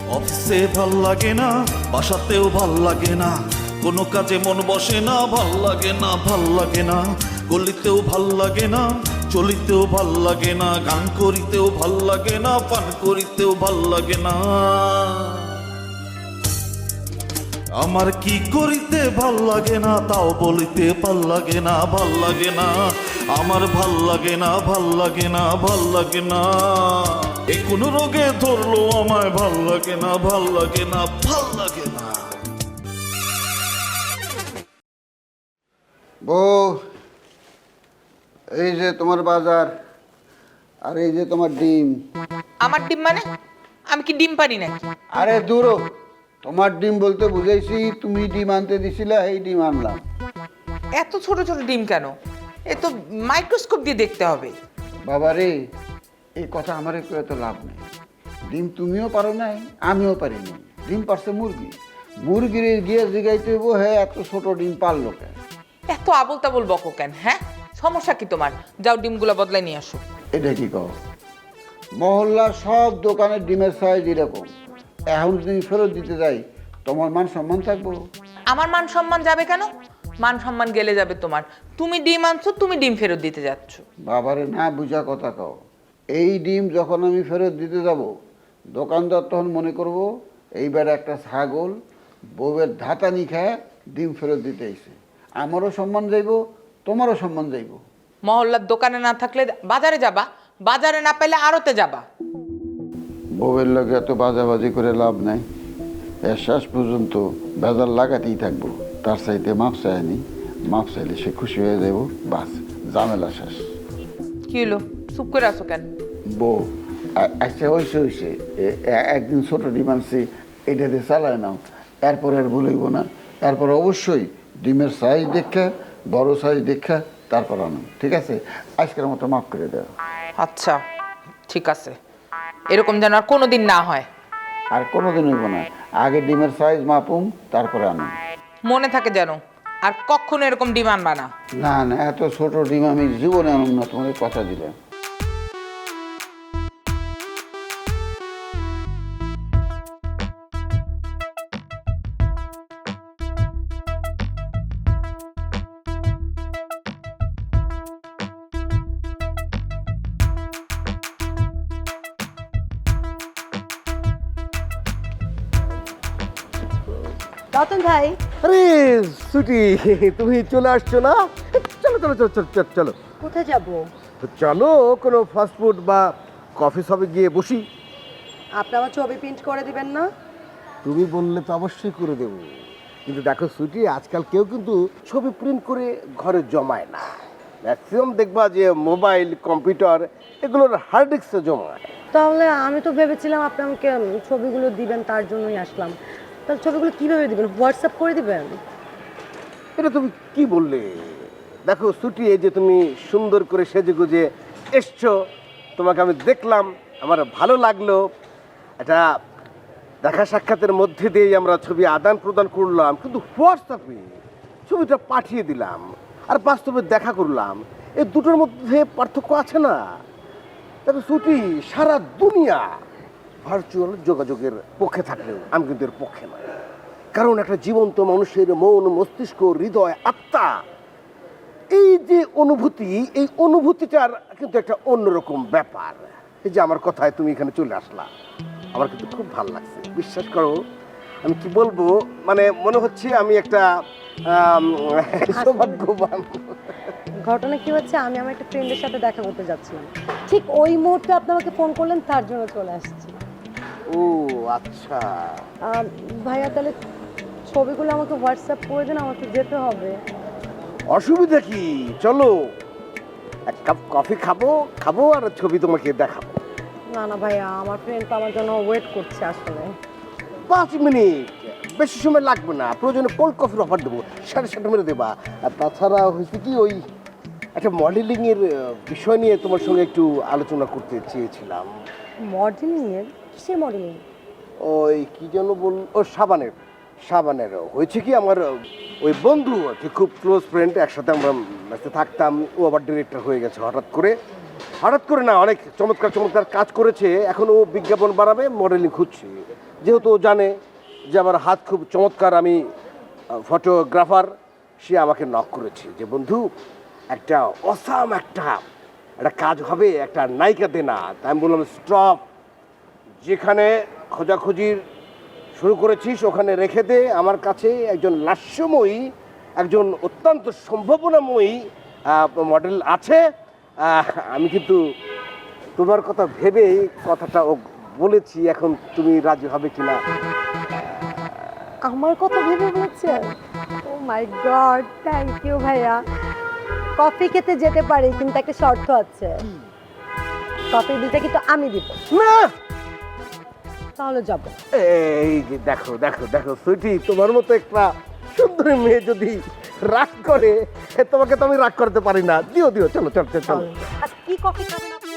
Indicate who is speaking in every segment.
Speaker 1: অফিসে ভাল লাগে না, বাসাতেও ভাল লাগে না, কোনো কাজে মন বসে না, ভাল লাগে না, ভাল লাগে না, গলিতেও ভাল লাগে না, চলিতেও ভাল লাগে না, গান করিতেও ভাল লাগে না, পান করিতেও ভাল লাগে না। আমার কি করিতে ভাল লাগে না তাও বলিতে ভাল লাগে না, ভাল লাগে না, আমার ভাল লাগে না, ভাল লাগে না, ভাল লাগে না। এ কোন রোগে ধরলো আমায়, ভাল লাগে না, ভাল লাগে না, ভাল লাগে না।
Speaker 2: বউ, এই যে তোমার বাজার, আর এই যে তোমার ডিম।
Speaker 3: আমার ডিম মানে? আমি কি ডিম পারি নাকি?
Speaker 2: আরে দূরো, তোমার ডিম বলতে বুঝাইছি তুমি ডিম আনতে দিছিলা, এই ডিম আনলাম।
Speaker 3: এত ছোট ছোট ডিম কেন? এ তো মাইক্রোস্কোপ দিয়ে দেখতে হবে।
Speaker 2: বাবা রে, এই কথা আমার একটু এত লাভ নেই। ডিম তুমিও পারো নাই, আমিও পারিনি। ডিম পারছে মুরগি, মুরগির গিয়ে জিগাইতে হইব হ্যাঁ এত ছোট ডিম পারলো কেন।
Speaker 3: এত আবল তাবল বকো কেন? হ্যাঁ, সমস্যা কি তোমার? যাও ডিমগুলো বদলাই নিয়ে আসো।
Speaker 2: এটা কি কও? মহল্লার সব দোকানের ডিমের সাইজ এরকম, এখন যদি ফেরত দিতে যাই তোমার মান সম্মান থাকবো?
Speaker 3: আমার মান সম্মান যাবে কেন? মান সম্মান গেলে যাবে তোমার। তুমি ডিম আনছো, তুমি ডিম ফেরত দিতে যাচ্ছ।
Speaker 2: বাবারে না বুঝা কথা কও। এই ডিম যখন আমি ফেরত দিতে যাব, দোকানদার তখন মনে করব এইবার একটা ছাগল বউয়ের ধাতানি খায় ডিম ফেরত দিতে আইছে। আমারও সম্মান যাইব, তোমারও সম্মান যাইব।
Speaker 3: মহল্লার দোকানে না থাকলে বাজারে যাবা, বাজারে না পেলে আড়তে যাবা।
Speaker 2: বউয়ের লগে এত বাজাবাজি করে লাভ নাই, এর শেষ পর্যন্ত বেজার লাগাতেই থাকবো। তার চাইতে মাপ চায়নি, মাপ চাইলে সে খুশি হয়ে যাব, বাস ঝামেলা শেষ।
Speaker 3: কি হলো, চুপ করে আসো কেন?
Speaker 2: বউ, আচ্ছা হয়েছে, একদিন ছোট ডিম আনছি, এটা দিয়ে চালায় নাও, এরপর আর ভুলইব না। এরপর অবশ্যই ডিমের সাইজ দেখা, বড় সাইজ দেখা তারপর আনো, ঠিক আছে? আজকের মতো মাফ করে দাও।
Speaker 3: আচ্ছা ঠিক আছে, এরকম যেন আর কোনোদিন না হয়।
Speaker 2: আর কোনোদিন হইব না, আগে ডিমের সাইজ মাপুম তারপরে আনো।
Speaker 3: মনে থাকে যেন, আর কখনো এরকম ডিম আনবা না।
Speaker 2: না না, এত ছোট ডিম আমি জীবনে আনুম না, তোমাকে কথা দিলাম।
Speaker 4: রতন ভাই,
Speaker 5: আরে সুটি, তুমি চলে আসছো না? চলো চলো চলো চলো চলো চলো
Speaker 4: কোথায় যাব?
Speaker 5: চলো কোনো ফাস্টফুড বা কফি শপে গিয়ে বসি।
Speaker 4: আপনি আমার ছবি প্রিন্ট করে দিবেন না?
Speaker 5: তুমি বললে তো অবশ্যই করে দেবো, কিন্তু দেখো সুটি, আজকাল কেউ কিন্তু ছবি প্রিন্ট করে ঘরে জমায় না। ম্যাক্সিমাম দেখবা যে মোবাইল, কম্পিউটার এগুলোর হার্ড ডিস্কে জমায়।
Speaker 4: তাহলে আমি তো ভেবেছিলাম আপনি আমাকে ছবিগুলো দিবেন, তার জন্যই আসলাম। তাহলে ছবিগুলো কিভাবে দিবেন? হোয়াটসঅ্যাপ করে দিবেন?
Speaker 5: এটা তুমি কি বললে? দেখো সুটি, এই যে তুমি সুন্দর করে সেজে গুজে এসছো, তোমাকে আমি দেখলাম, আমার ভালো লাগলো। এটা দেখা সাক্ষাতের মধ্যে দিয়েই আমরা ছবি আদান প্রদান করলাম, কিন্তু হোয়াটসঅ্যাপে ছবিটা পাঠিয়ে দিলাম আর বাস্তবে দেখা করলাম, এই দুটোর মধ্যে পার্থক্য আছে না? দেখো সুটি, সারা দুনিয়া ভার্চুয়াল যোগাযোগের পক্ষে থাকলেও আমি কিন্তু এর পক্ষে নয়। কারণ একটা জীবন্ত মানুষের মন, মস্তিষ্ক, হৃদয়, আত্মা, এই যে অনুভূতি, এই অনুভূতিটার কিন্তু একটা অন্যরকম ব্যাপার। এই যে আমার কথায় তুমি এখানে চলে আসলা, আমার কিন্তু খুব ভালো লাগছে। বিশ্বাস করো, আমি কি বলবো, মানে মনে হচ্ছে আমি একটা সৌভাগ্যবান।
Speaker 4: ঘটনা কি হচ্ছে, আমি আমার একটা ফ্রেন্ডের সাথে দেখা করতে যাচ্ছিলাম, ঠিক ওই মুহূর্তে আপনি আমাকে ফোন করলেন, তার জন্য চলে আসছি।
Speaker 5: ও আচ্ছা,
Speaker 4: ভাইয়া তাহলে ছবিগুলো আমাকে হোয়াটসঅ্যাপ করে দেন, আমাকে যেতে হবে।
Speaker 5: অসুবিধা কি? চলো এক কাপ কফি খাবো খাবো আর ছবি তোমাকে দেখাবো।
Speaker 4: না না ভাইয়া, আমার ফ্রেন্ড তো আমার জন্য ওয়েট করছে আসলে।
Speaker 5: 5 মিনিট, বেশি সময় লাগবে না। প্রয়োজনে কোল্ড কফির অফার দেবো, 7.5 মেরে দেবা। আর তাছাড়া হয়েছে কি, ওই একটা মডেলিংয়ের বিষয় নিয়ে তোমার সঙ্গে একটু আলোচনা করতে চেয়েছিলাম।
Speaker 4: মডেলিং এর? কিসের মডেলিং?
Speaker 5: ওই কি যেন বল, ও সাবানের হয়েছে কি, আমার ওই বন্ধু আর কি, খুব ক্লোজ ফ্রেন্ড, একসাথে আমরা ম্যাচে থাকতাম। ও আবার ডিরেক্টর হয়ে গেছে হঠাৎ করে না, অনেক চমৎকার কাজ করেছে। এখন ও বিজ্ঞাপন বাড়াবে, মডেলিং খুঁজছে। যেহেতু ও জানে যে আমার হাত খুব চমৎকার, আমি ফটোগ্রাফার, সে আমাকে নক করেছে যে বন্ধু একটা অসাম একটা কাজ হবে, একটা নায়িকা দে না। তাই আমি বললাম স্টপ, যেখানে খোঁজাখুঁজির শুরু করেছিস ওখানে রেখে দে। আমার কাছে একজন লাস্যময়ী, একজন অত্যন্ত সম্ভাবনাময়ী মডেল আছে। আমি কিন্তু তোমার কথা ভেবেই কথাটা ও বলেছি, এখন তুমি রাজি হবে কিনা।
Speaker 4: আমার কথা ভেবে বলছেন? Oh my god, thank you ভাইয়া। কফি খেতে যেতে পারি, কিন্তু একটা শর্ত আছে। কফির বিলটা কিন্তু আমি দিব।
Speaker 5: না,
Speaker 4: তাহলে যাব।
Speaker 5: এই যে দেখো দেখো দেখো সুইটি, তোমার মতো একটা সুন্দরী মেয়ে যদি রাগ করে, তোমাকে তো আমি রাগ করতে পারি না। দিও দিও, চলো চলো চলো চলো।
Speaker 4: আচ্ছা, কি কফি খাবেন আপনি?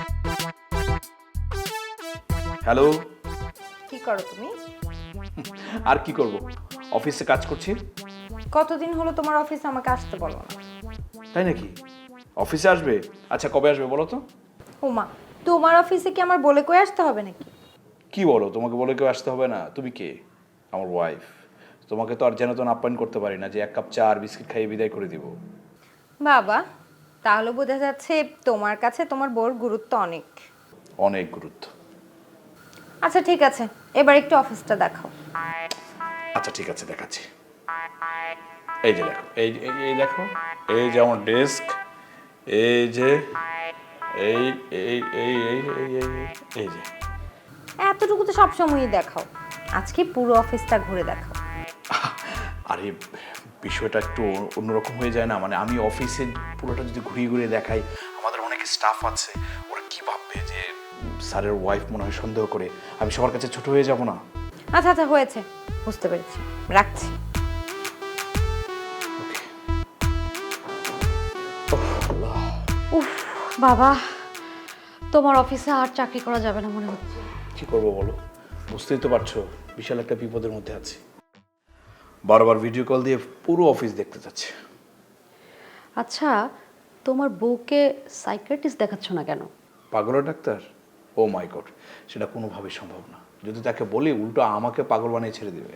Speaker 6: হ্যালো।
Speaker 7: কি করো তুমি?
Speaker 6: আর কি করব, অফিসে কাজ করছি।
Speaker 7: কতদিন হলো তোমার অফিসে আমাকে আসতে বলো না?
Speaker 6: তাই নাকি? অফিসে আসবে? আচ্ছা কবে আসবে বলো তো।
Speaker 7: ওমা, তোমার অফিসে কি আমার বলে কয়ে আসতে হবে নাকি?
Speaker 6: কি বলো, তোমাকে বলে কেউ আসতে হবে না? তুমি কে? আমার ওয়াইফ। তোমাকে তো আর যেন তেন আপ্যায়ন করতে পারি না যে এক কাপ চা আর বিস্কিট খাইয়ে বিদায় করে দিব।
Speaker 7: বাবা, তাহলে বোঝা যাচ্ছে তোমার কাছে তোমার বউর গুরুত্ব অনেক।
Speaker 6: অনেক গুরুত্ব।
Speaker 7: আচ্ছা ঠিক আছে, এবার একটু অফিসটা দেখাও।
Speaker 6: আচ্ছা ঠিক আছে, দেখাচ্ছি। এই যে দেখো, এই দেখো, এই যে আমার ডেস্ক, এই যে এই এই এই এই এই এই যে।
Speaker 7: এতটুকু তো সবসময়ই দেখাও, আজকে পুরো অফিসটা ঘুরে দেখাও।
Speaker 6: আরে বিষয়টা একটু অন্যরকম হয়ে যায় না? মানে আমি অফিসে পুরোটা যদি ঘুরিয়ে ঘুরিয়ে দেখাই, আমাদের অনেক স্টাফ আছে, ওরা কি ভাববে যে স্যারের ওয়াইফ মনে হয় সন্দেহ করে, আমি সবার কাছে ছোট হয়ে যাব না?
Speaker 7: আচ্ছা আচ্ছা হয়েছে, বুঝতে পেরেছি, রাখছি।
Speaker 4: উফ বাবা, তোমার অফিসে আর চাকরি করা যাবে না মনে হচ্ছে।
Speaker 6: কি করবো বলো, বুঝতেই তো পারছো বিশাল একটা বিপদের মধ্যে আছি। বারবার ভিডিও কল দিয়ে পুরো অফিস দেখতে চাচ্ছে।
Speaker 8: আচ্ছা, তোমার বউকে সাইকিয়াট্রিস্ট দেখাচ্ছ না কেন?
Speaker 6: পাগলের ডাক্তার? ও মাই গড, সেটা কোনোভাবেই সম্ভব না। যদি তাকে বলি, উল্টো আমাকে পাগল বানিয়ে ছেড়ে দেবে।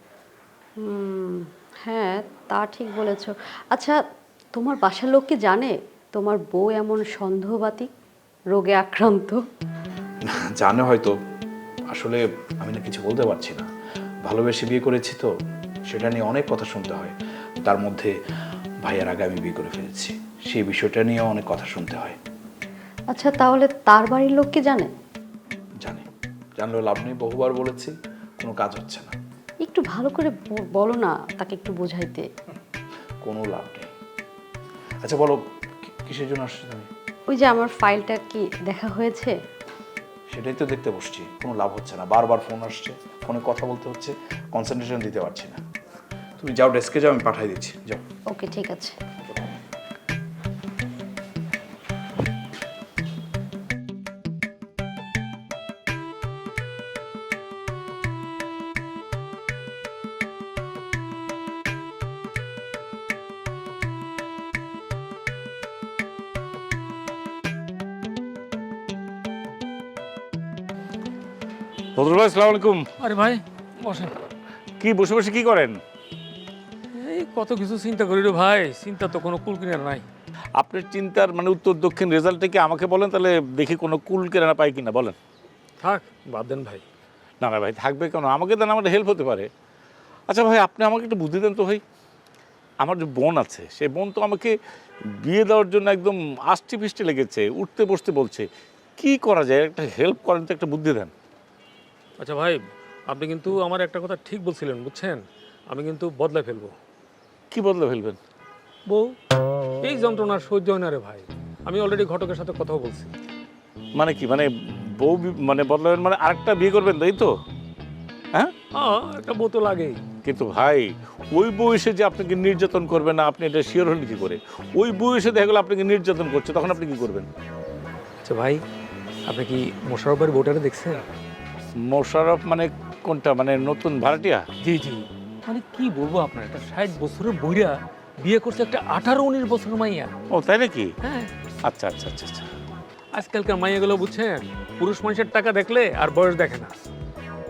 Speaker 8: হ্যাঁ, তা ঠিক বলেছ। আচ্ছা, তোমার বাসার লোক কি জানে তোমার বউ এমন সন্দেহবাতী, রোগে আক্রান্ত?
Speaker 6: জানে হয়তো, আসলে আমি না কিছু বলতে পারছি না। ভালোবেসে বিয়ে করেছি তো, সেটা নিয়ে অনেক কথা শুনতে হয়। তার মধ্যে ভাইয়ের আগে আমি বিয়ে করে ফেলেছি, সেই বিষয়টা নিয়েও অনেক কথা শুনতে হয়।
Speaker 8: আচ্ছা, তাহলে তার বাড়ির লোক কি জানে?
Speaker 6: জানি, জানলেও লাভ নেই, বহুবার বলেছি, কোনো কাজ হচ্ছে না।
Speaker 8: একটু ভালো করে বলো না, তাকে একটু বোঝাইতে।
Speaker 6: কোনো লাভ নেই। আচ্ছা বলো, কিসের জন্য আসছো তুমি?
Speaker 8: ওই যে আমার ফাইলটা কি দেখা হয়েছে?
Speaker 6: সেটাই তো দেখতে বসছি, কোনো লাভ হচ্ছে না। বারবার ফোন আসছে, ফোনে কথা বলতে হচ্ছে, কনসেন্ট্রেশন দিতে পারছি না। তুমি যাও, ডেস্কে যাও, আমি পাঠিয়ে দিচ্ছি, যাও।
Speaker 8: ওকে, ঠিক আছে।
Speaker 9: ফজল ভাই, আসসালামু আলাইকুম।
Speaker 10: আরে ভাই বসেন।
Speaker 9: কি বসে বসে কি করেন?
Speaker 10: এই কত কিছু চিন্তা করি রে ভাই, চিন্তা তো কোনো কুল কিনারা নাই।
Speaker 9: আপনার চিন্তার মানে উত্তর দক্ষিণ রেজাল্টটা কি আমাকে বলেন, তাহলে দেখি কোনো কুল কেনা পাই কিনা। বলেন।
Speaker 10: থাক, বাদ দেন ভাই।
Speaker 9: না না ভাই, থাকবে কেন, আমাকে দেন, আমার হেল্প হতে পারে। আচ্ছা ভাই, আপনি আমাকে একটু বুদ্ধি দেন তো ভাই। আমার যে বোন আছে, সেই বোন তো আমাকে বিয়ে দেওয়ার জন্য একদম আষ্টি ফিষ্টি লেগেছে, উঠতে বসতে বলছে। কি করা যায়, একটা হেল্প করেন তো, একটা বুদ্ধি দেন।
Speaker 10: আচ্ছা ভাই, আপনি কিন্তু আমার একটা কথা ঠিক বলছিলেন, বুঝছেন? আমি কিন্তু বদলায় ফেলবো।
Speaker 9: কি বদলে ফেলবেন?
Speaker 10: বউ, এই যন্ত্রণার সহ্য হয় না রে ভাই। আমি অলরেডি ঘটকের সাথে কথা বলছি।
Speaker 9: মানে কি, মানে বউ মানে বদলাবেন, মানে আরেকটা বিয়ে করবেন, তাই তো? হ্যাঁ,
Speaker 10: একটা বউ তো লাগেই।
Speaker 9: কিন্তু ভাই, ওই বয়সে যে আপনাকে নির্যাতন করবে না, আপনি এটা শিওর হলেন কি করে? ওই বয়সে দেখা গেলো আপনাকে নির্যাতন করছে, তখন আপনি কি করবেন?
Speaker 10: আচ্ছা ভাই, আপনি কি মোশাররফের বউটারে দেখছেন?
Speaker 9: মোশাররফ মানে কোনটা, মানে নতুন ভাড়াটিয়া?
Speaker 10: জি জি, মানে কি বলবো আপনার, একটা 60 বছরের বইরা বিয়ে করছে একটা 18-19 বছরের মাইয়া।
Speaker 9: ও তাই নাকি?
Speaker 10: হ্যাঁ।
Speaker 9: আচ্ছা আচ্ছা আচ্ছা আচ্ছা।
Speaker 10: আজকালকার মাইয়াগুলো বুঝছেন, পুরুষ মানুষের টাকা দেখলে আর বয়স দেখে না।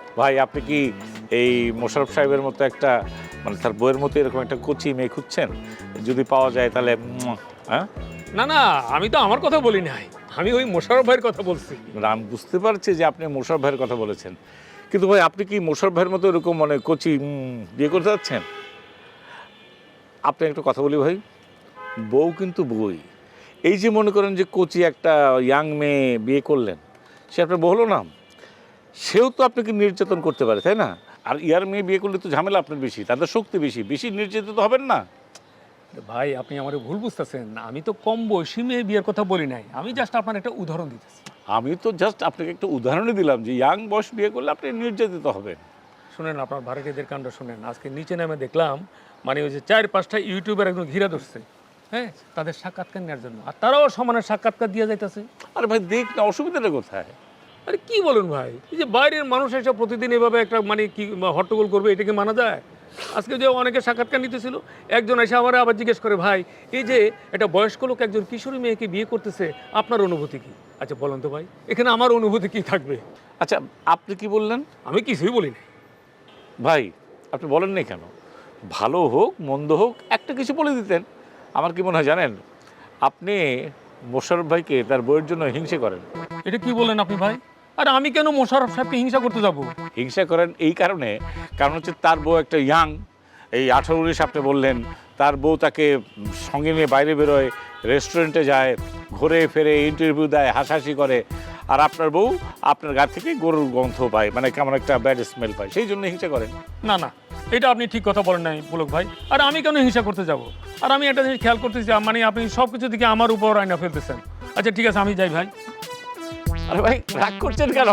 Speaker 9: ভাই আপনি কি এই মোশাররফ সাহেবের মতো একটা মানে তার বইয়ের মতো এরকম একটা কচি মেয়ে খুঁজছেন? যদি পাওয়া যায় তাহলে হ্যাঁ?
Speaker 10: না না, আমি তো আমার কথা বলি নাই, আমি ওই মোশাররফ ভাইয়ের কথা বলছি।
Speaker 9: আমি বুঝতে পারছি যে আপনি মোশাররফ ভাইয়ের কথা বলেছেন, কিন্তু ভাই আপনি কি মোশাররফ ভাইয়ের মতো এরকম মানে কচি বিয়ে করতে যাচ্ছেন? আপনি একটা কথা বলি ভাই, বউ কিন্তু বই। এই যে মনে করেন যে কচি একটা ইয়াং মেয়ে বিয়ে করলেন, সে আপনার বউ হলো না, সেও তো আপনাকে নির্যাতন করতে পারে, তাই না? আর ইয়ার মেয়ে বিয়ে করলে তো ঝামেলা আপনার বেশি, তাদের শক্তি বেশি, বেশি নির্যাতিত হবেন না?
Speaker 10: ভাই আপনি আমার ভুল বুঝতেছেন, আমি তো কম বয়সী মেয়ে বিয়ের কথা বলি নাই, আমি জাস্ট আপনার একটা উদাহরণ দিতেছি।
Speaker 9: আমি তো জাস্ট আপনাকে একটা উদাহরণই দিলাম যে ইয়াং বয়স বিয়ে করলে আপনি নির্যাতিত হবেন।
Speaker 10: শুনেন, আপনার ভাড়াটিদের কাণ্ড শুনেন। আজকে নিচে নামে দেখলাম মানে ওই যে 4-5টা ইউটিউবার একদম ঘিরা ধরছে, হ্যাঁ, তাদের সাক্ষাৎকার নেওয়ার জন্য, আর তারাও সমানের সাক্ষাৎকার দিয়ে যাইতেছে।
Speaker 9: আরে ভাই দেখ না, অসুবিধাটা কোথায়?
Speaker 10: আরে কি বলেন ভাই, এই যে বাইরের মানুষ এসে প্রতিদিন এভাবে একটা মানে কি হট্টগোল করবে, এটাকে মানা যায়? আজকে যে অনেকে সাক্ষাৎকার নিতেছিল, একজন এসে আমার আবার জিজ্ঞেস করে, ভাই এই যে একটা বয়স্ক লোক একজন কিশোরী মেয়েকে বিয়ে করতেছে, আপনার অনুভূতি কি? আচ্ছা বলেন তো ভাই, এখানে আমার অনুভূতি কি থাকবে?
Speaker 9: আচ্ছা আপনি কি বললেন?
Speaker 10: আমি কিছুই বলি না।
Speaker 9: ভাই আপনি বলেন না কেন? ভালো হোক মন্দ হোক একটা কিছু বলে দিতেন। আমার কি মনে হয় জানেন, আপনি মোশাররফ ভাইকে তার বইয়ের জন্য হিংসে করেন।
Speaker 10: এটা কি বলেন আপনি ভাই? আর আমি কেন মোশাররফ সাহেবকে হিংসা করতে যাব?
Speaker 9: হিংসা করেন এই কারণে, কারণ হচ্ছে তার বউ একটা ইয়াং, এই 18-19 আপনি বললেন, তার বউ তাকে সঙ্গে নিয়ে বাইরে বেরোয়, রেস্টুরেন্টে যায়, ঘুরে ফেরে ইন্টারভিউ দেয়, হাসাহাসি করে, আর আপনার বউ আপনার গা থেকে গরুর গন্ধ পায়, মানে কেমন একটা ব্যাড স্মেল পায়, সেই জন্য হিংসা করেন।
Speaker 10: না না, এটা আপনি ঠিক কথা বলেন নাই পুলক ভাই। আর আমি কেন হিংসা করতে যাব? আর আমি একটা জিনিস খেয়াল করতেছি, মানে আপনি সব কিছু দিকে আমার উপর আয়না ফেলতেছেন। আচ্ছা ঠিক আছে, আমি যাই ভাই।
Speaker 9: আরে ভাই রাগ করছেন কেন?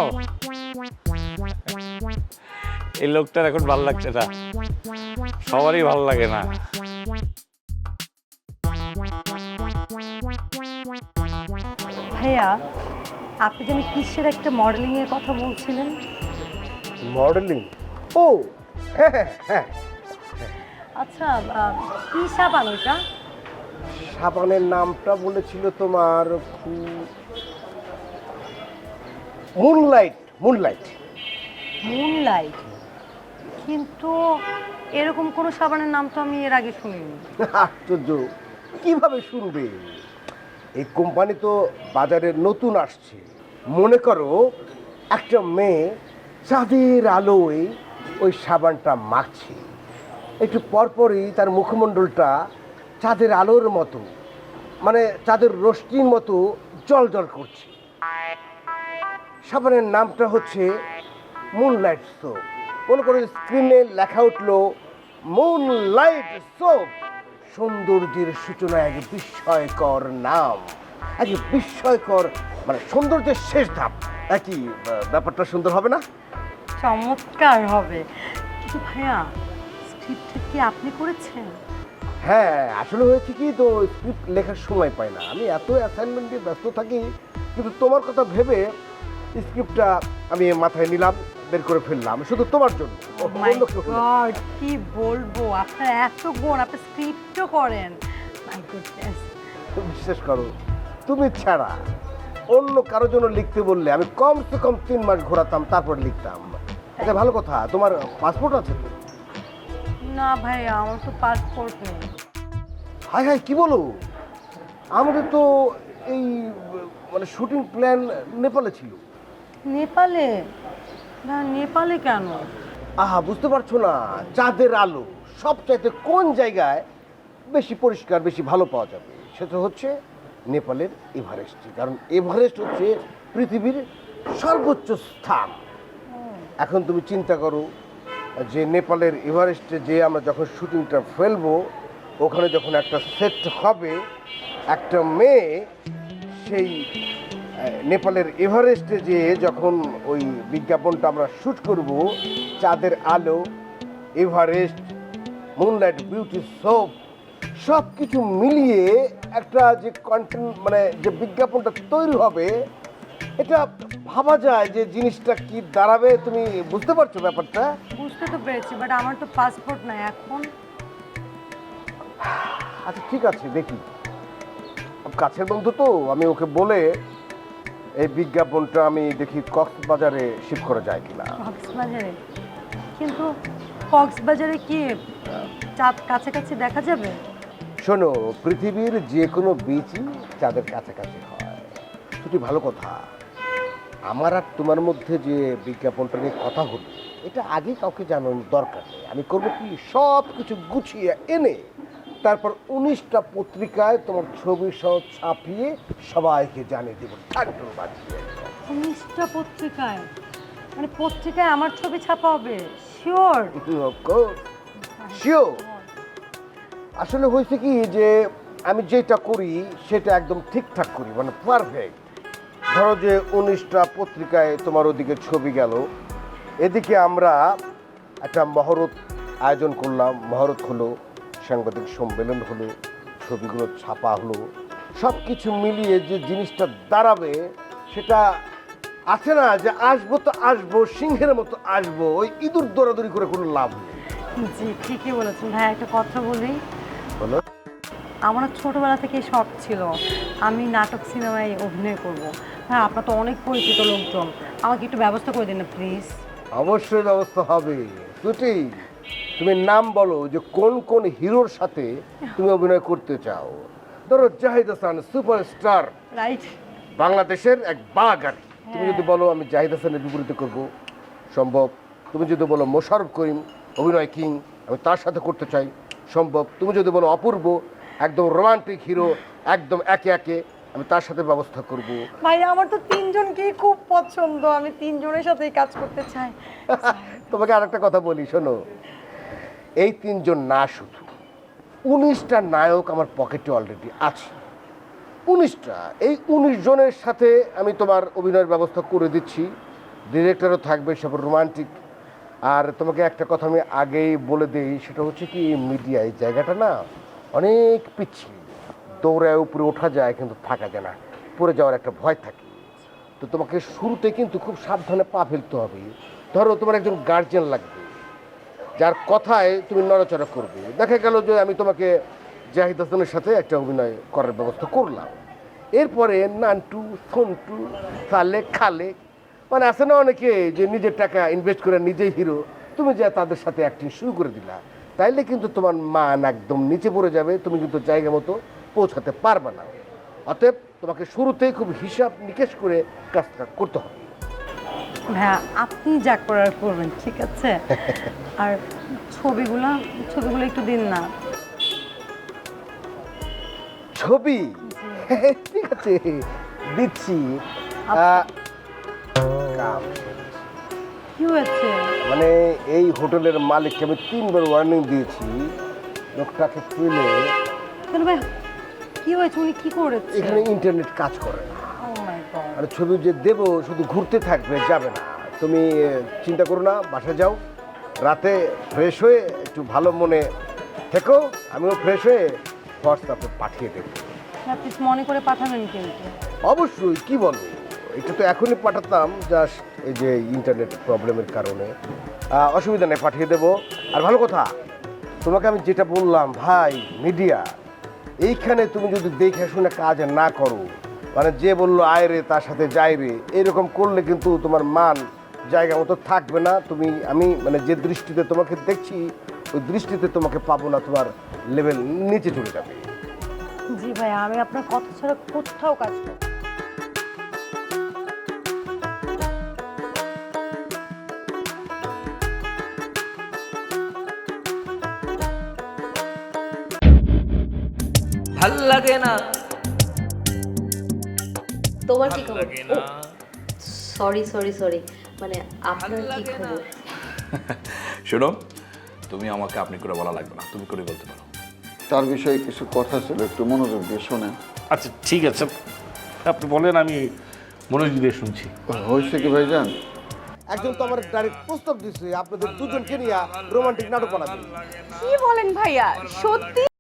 Speaker 9: এই লোকটার এখন ভালো লাগছে না, সবারই ভালো লাগে না।
Speaker 4: ভাইয়া, আপনি যেন কিসের একটা মডেলিং এর কথা বলছিলেন?
Speaker 5: মডেলিং? ও হ্যাঁ হ্যাঁ হ্যাঁ,
Speaker 4: আচ্ছা, কি সাবান ওটা?
Speaker 5: সাবানের নামটা বলেছিল তোমার মুনলাইট। Moonlight
Speaker 4: moonlight? কিন্তু এরকম কোনো সাবানের নাম তো আমি এর আগে শুনিনি।
Speaker 5: আশ্চর্য, কিভাবে শুনবে? এই কোম্পানি তো বাজারে নতুন আসছে। মনে করো একটা মেয়ে চাঁদের আলোয় ওই সাবানটা মাখছে, একটু পরপরই তার মুখমণ্ডলটা চাঁদের আলোর মতো, মানে চাঁদের রশ্মির মতো জ্বলজ্বল করছে। সাবানের নামটা হচ্ছে মুনলাইট সোপ। মনে করো স্ক্রিনে লেখা উঠলো মুনলাইট সোপ, সৌন্দর্যের সূচনা, এক বিস্ময়কর নাম, এক বিস্ময়কর, মানে সৌন্দর্যের শেষ ধাপ। একই ব্যাপারটা সুন্দর হবে না?
Speaker 4: চমৎকার হবে। কিন্তু ভাইয়া, স্ক্রিপ্টটা কি আপনি করেছেন?
Speaker 5: হ্যাঁ, আসলে হয়েছে কি, তো স্ক্রিপ্ট লেখার সময় পাই না, আমি এত অ্যাসাইনমেন্ট দিয়ে ব্যস্ত থাকি। কিন্তু তোমার কথা ভেবে স্ক্রিপ্টটা আমি মাথায় নিলাম, বের করে ফেললাম শুধু তোমার জন্য।
Speaker 4: মাই গড, কি বলবো, আপনার এত গুণ, আপনি স্ক্রিপ্টও করেন। My goodness.
Speaker 5: বিশ্বাস করো, তুমি ছাড়া অন্য কারোর জন্য লিখতে বললে আমি কমসে কম 3 মাস ঘোরাতাম, তারপর লিখতাম। আচ্ছা ভালো কথা, তোমার পাসপোর্ট আছে তো?
Speaker 4: না ভাইয়া, আমার তো পাসপোর্ট নেই।
Speaker 5: হাই হাই, কি বলো? আমাদের তো এই মানে শুটিং প্ল্যান নেপালে ছিল।
Speaker 4: নেপালে? না, নেপালে কেন?
Speaker 5: আহা, বুঝতে পারছো না? চাঁদের আলো সবচাইতে কোন জায়গায় বেশি পরিষ্কার, বেশি ভালো পাওয়া যাবে? সেটা হচ্ছে নেপালের এভারেস্ট। কারণ এভারেস্ট হচ্ছে পৃথিবীর সর্বোচ্চ স্থান। এখন তুমি চিন্তা করো যে নেপালের এভারেস্টে যে আমরা যখন শুটিংটা ফেলবো, ওখানে যখন একটা সেট হবে, একটা মেয়ে সেই নেপালের এভারেস্টে যে যখন ওই বিজ্ঞাপনটা আমরা শ্যুট করব, চাঁদের আলো, এভারেস্ট, মুনলাইট বিউটি সোপ, সব কিছু মিলিয়ে একটা যে কন্টেন্ট, মানে যে বিজ্ঞাপনটা তৈরি হবে, এটা ভাবা যায় যে জিনিসটা কি দাঁড়াবে। তুমি বুঝতে পারছো ব্যাপারটা?
Speaker 4: বুঝতে তো পেরেছি, বাট আমার তো পাসপোর্ট নাই এখন।
Speaker 5: আচ্ছা ঠিক আছে, দেখি, কাছের বন্ধু তো, আমি ওকে বলে এই বিজ্ঞাপনটা আমি দেখি কক্সবাজারে শিফট করা যায় কিনা।
Speaker 4: কক্সবাজারে, কিন্তু কক্সবাজারে কি চাঁদ কাছাকাছি দেখা যাবে?
Speaker 5: শোনো, পৃথিবীর যে কোনো বীচই চাঁদের কাছাকাছি হয়। ছুটি ভালো কথা। আমার আর তোমার মধ্যে যে বিজ্ঞাপনটা নিয়ে কথা হলো, এটা আগে কাউকে জানানোর দরকার নেই। আমি করবো কি, সব কিছু গুছিয়ে এনে তারপর 19টা পত্রিকায় তোমার ছবি সহ ছাপিয়ে সবাইকে জানিয়ে দেবো। ঠাকুর বাজিয়ে
Speaker 4: 19টা পত্রিকায়? মানে পত্রিকায় আমার ছবি ছাপা হবে? শিওর?
Speaker 5: শিওর। আসলে হয়েছে কি যে আমি যেটা করি সেটা একদম ঠিকঠাক করি, মানে পারফেক্ট। ধরো যে 19টা পত্রিকায় তোমার ওদিকে ছবি গেল, এদিকে আমরা একটা মহরত আয়োজন করলাম, মহরত হলো, সাংবাদিক সম্মেলন হলো, ছবিগুলো ছাপা হলো, সব কিছু মিলিয়ে যে জিনিসটা দাঁড়াবে সেটা আছে না, যে আসবো তো আসবো, সিংহের মতো আসবো, ওই ইঁদুর দৌড়াদৌড়ি করে কোনো লাভ নেই।
Speaker 4: জি ঠিকই বলেছেন ভাই। একটা কথা বলি,
Speaker 5: বলো।
Speaker 4: আমার ছোটবেলা থেকে শখ ছিল আমি নাটক সিনেমায় অভিনয় করব। হ্যাঁ, আপনার তো অনেক পরিচিত লোকজন, আমাকে একটু ব্যবস্থা করে দিন না প্লিজ।
Speaker 5: অবশ্যই ব্যবস্থা হবে। ছুটি, তুমি নাম বলো যে কোন কোন হিরোর সাথে তুমি অভিনয় করতে চাও। ধরো জাহিদ হাসান সুপারস্টার,
Speaker 4: রাইট।
Speaker 5: বাংলাদেশের এক বাঘ আর কি। তুমি যদি বলো আমি জাহিদ হাসানের বিপরীতে করব, সম্ভব। তুমি যদি বলো মোশাররফ করিম অভিনয় কিং, আমি তার সাথে করতে চাই, সম্ভব। তুমি যদি বলো অপূর্ব একদম রোমান্টিক হিরো, একদম একে একে, আমি তার সাথে ব্যবস্থা করব।
Speaker 4: ভাই আমার তো তিনজনকেই খুব পছন্দ, আমি তিনজনের সাথেই কাজ করতে চাই।
Speaker 5: তোমাকে আরেকটা কথা বলি, শোনো, এই তিনজন না, শুধু 19টা নায়ক আমার পকেটে অলরেডি আছে। 19টা, এই 19 জনের সাথে আমি তোমার অভিনয়ের ব্যবস্থা করে দিচ্ছি। ডিরেক্টরও থাকবে সব রোমান্টিক। আর তোমাকে একটা কথা আমি আগেই বলে দিই, সেটা হচ্ছে কি, মিডিয়া এই জায়গাটা না অনেক পিছিয়ে, দৌড়ায় উপরে ওঠা যায় কিন্তু থাকা যায় না, পড়ে যাওয়ার একটা ভয় থাকে। তো তোমাকে শুরুতে কিন্তু খুব সাবধানে পা ফেলতে হবে। ধরো তোমার একজন গার্জিয়ান লাগবে, যার কথায় তুমি নড়াচড়া করবে। দেখা গেল যে আমি তোমাকে জাহিদ হাসানের সাথে একটা অভিনয় করার ব্যবস্থা করলাম, এরপরে নান্টু, সন্টু, সালে, খালে, মানে আছে না অনেকে যে নিজের টাকা ইনভেস্ট করে নিজেই হিরো, তুমি যা তাদের সাথে অ্যাক্টিং শুরু করে দিলা, তাইলে কিন্তু তোমার মান একদম নিচে পড়ে যাবে, তুমি কিন্তু জায়গা মতো পৌঁছাতে পারবে না। অতএব তোমাকে শুরুতেই খুব হিসাব নিকেশ করে কাজটা করতে হবে।
Speaker 4: হ্যাঁ, আপনি যা করার করবেন, ঠিক আছে? আর ছবিগুলো একটু দিন না।
Speaker 5: ছবি? ঠিক আছে, দিচ্ছি। কাম
Speaker 4: কি হয়েছে?
Speaker 5: মানে এই হোটেলের মালিককে আমি 3বার ওয়ার্নিং দিয়েছি, লোকটাকে পেলে।
Speaker 4: কেন ভাই, কি হয়েছে? উনি কি করেছে?
Speaker 5: এখানে ইন্টারনেট কাজ করে না।
Speaker 4: ও মাই গড।
Speaker 5: আর ছবি যে দেবো শুধু ঘুরতে থাকবে, যাবে না। তুমি চিন্তা করো না, বাসায় যাও, রাতে ফ্রেশ হয়ে একটু ভালো মনে থেকো, আমিও ফ্রেশ হয়ে হোয়াটসঅ্যাপে পাঠিয়ে দেবো।
Speaker 4: আপনি মনে করে পাঠাবেন কিন্তু।
Speaker 5: অবশ্যই, কি বলো, এটা তো এখনই পাঠাতাম, জাস্ট এই যে ইন্টারনেট প্রবলেমের কারণে। অসুবিধা নেই, পাঠিয়ে দেবো। আর ভালো কথা, তোমাকে আমি যেটা বললাম ভাই, মিডিয়া এইখানে তুমি যদি দেখে শুনে কাজ না করো, মানে যে বললো আয় রে তার সাথে যাই রে, এরকম করলে কিন্তু তোমার মান জায়গা মতো থাকবে না। আমি মানে যে দৃষ্টিতে তোমাকে দেখছি, ওই দৃষ্টিতে তোমাকে পাবো না, তোমার লেভেল নিচে চলে যাবে।
Speaker 4: জি ভাই, আমি আপনার কথা ছাড়া কোথাও কাজ করব।
Speaker 11: ভাল লাগে না।
Speaker 8: তোমার কি খবর? সরি সরি সরি, মানে আপনার কি খবর?
Speaker 6: শোনো, তুমি আমাকে আপনি করে বলা লাগবে না, তুমি করে বলতে পারো।
Speaker 2: তার বিষয়ে কিছু কথা ছিল, একটু মনোযোগ দিয়ে শোনেন।
Speaker 9: আচ্ছা ঠিক আছে, আপনি বলেন, আমি মনোযোগ দিয়ে শুনছি।
Speaker 2: হয়েছে কি ভাইজান,
Speaker 5: একজন তো আমার ডাইরেক্ট প্রস্তাব দিচ্ছে আপনাদের দুজনকে নিয়ে রোমান্টিক নাটক বানাবেন।
Speaker 3: কি বলেন ভাইয়া, সত্যি?